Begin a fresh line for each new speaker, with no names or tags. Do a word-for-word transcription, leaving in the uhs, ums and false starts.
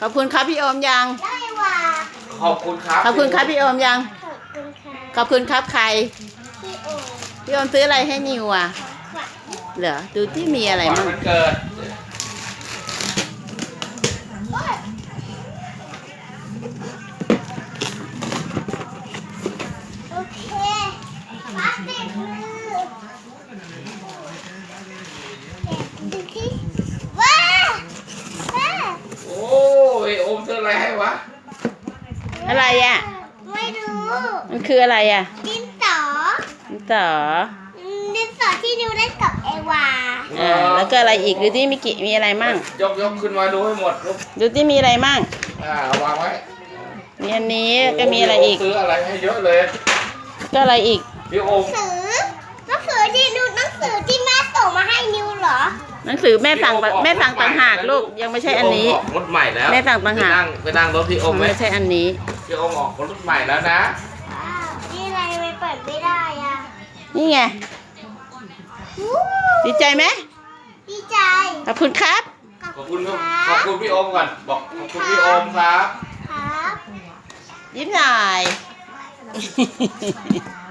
ขอบคุณครับพี่โอมยัง
ได้ว่ะ
ขอบคุณครับ
ขอบคุณครับพี่โอมยัง
ขอบคุณค่ะ
ขอบคุณครับใคร
พี่โอ
พี่โอมซื้ออะไรให้นิวอ่ะ
ขวัญ
เหรอดูที่มีอะไร
วัน
มั่ง
มันเกิด
โอเคมาติดมือดูที่ว้าว้า
โอ้ยโอมซื้ออะไรให้วะ
อะไรอ่ะ
ไม่รู้
มันคืออะไรอ่ะ
ดินสอ
ต่อ
ดินสอที่นิวเล่นกับเอวา
อ่าแล้วก็อะไรอีกดูที่มีกี่มีอะไรมั่ง
ยกยกขึ้นมาดูให้หมดลูก
ดูที่มีอะไรมั่ง
อ่าวางไว้
มีอันนี้ก็มีอะไรอีก
โซื้ออะไรให้เยอะเลย
ก็อะไรอีก
พี่โอม
หนังสือหนังสือที่นิวหนังสือที่แม่ส่งมาให้นิวเหรอ
หนังสือแม่สั่งแม่สั่งต่างหากลูกยังไม่ใช่อันนี้
พี่โมออกรถใหม่แล้ว
แม่สั่งต่างหาก
ไปนั่งไปนั่งรถพี่โอมไหม
ไม่ใช่อันนี้
พี่โอมออกรถใหม่แล้วนะ
ว้าวนี่อะไรไม่เปิดไม่ได้อ่ะ
นี่ไง
วู้
ดีใจไหม
ดีใจ
ขอบคุณครับ
ขอบคุณครับขอบคุณพี่โอมก่อนบอกขอบคุณพี่โอมครับ
ครับ
ยิ้มหน่อย